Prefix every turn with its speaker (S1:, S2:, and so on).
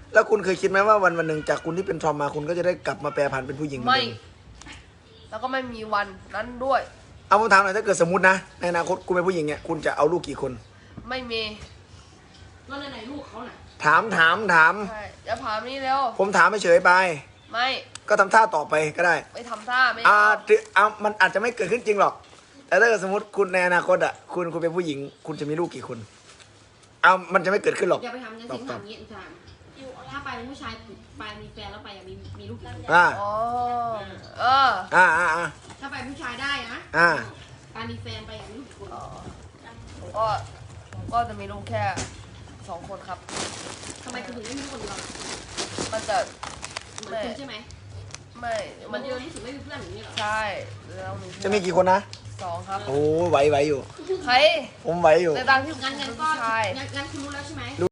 S1: แล้วคุณเคยคิดไหมว่าวันหนึ่งจากคุณที่เป็นทอมมาคุณก็จะได้กลับมาแปรผันเป็นผู้หญิงเหมือน
S2: ไม่
S1: เดิม
S2: แล้วก็ไม่มีวันนั้นด้วย
S1: เอาผมถามหน่อยถ้าเกิดสมมตินะในอนาคตคุณเป็นผู้หญิงเนี่ยคุณจะเอาลูกกี่คน
S2: ไม่มี
S3: แล้วไหนลูกเขาน่ะ
S1: ถาม
S2: ใช่อย่าถามนี่แล้ว
S1: ผมถามเฉยๆไป
S2: ไม่
S1: ก็ทำท่าต่อไปก็ได้
S2: ไม่ทำท่าไม่
S1: มันอาจจะไม่เกิดขึ้นจริงหรอก แต่ถ้าเกิดสมมติคุณในอนาคตอ่ะคุณเป็นผู้หญิง คุณจะมีลูกกี่คนมันจะไม่เกิดขึ้นหรอก
S3: อย่าไปทำงั้นสิทำอย่างนี้ถามถ้าไปเป็นผู้ชายไปมีแฟนแล้วไปอยากมีลูกกี่คน
S1: อ่า
S2: อ๋อเออ
S3: ถ้าไปผู้ชายได้นะ การมีแฟนไปอยากมีลูกกี่คน
S2: ผมก็จะมีลูกแค่2 คนครับ
S3: ทำไมคุณถึงไม่มีลูกคนเดียว
S2: มันจะ
S3: เหมือนคุณใช่ไหม
S2: ไม่
S3: มันเดียวที่สุดไม่มีเพื่อนอย่างนี้หรอ
S2: ใช่แล้วมี
S1: จะมีกี่คนนะ
S2: 2 ครับ
S1: โอ้ไหวอยู่
S2: ใคร
S1: ผมไหวอยู่
S2: ในตามที่
S3: งั้น
S2: เป็น
S3: ก็
S2: ผู้ชาย
S3: งั้นคุณรู้แล้วใช่ไหม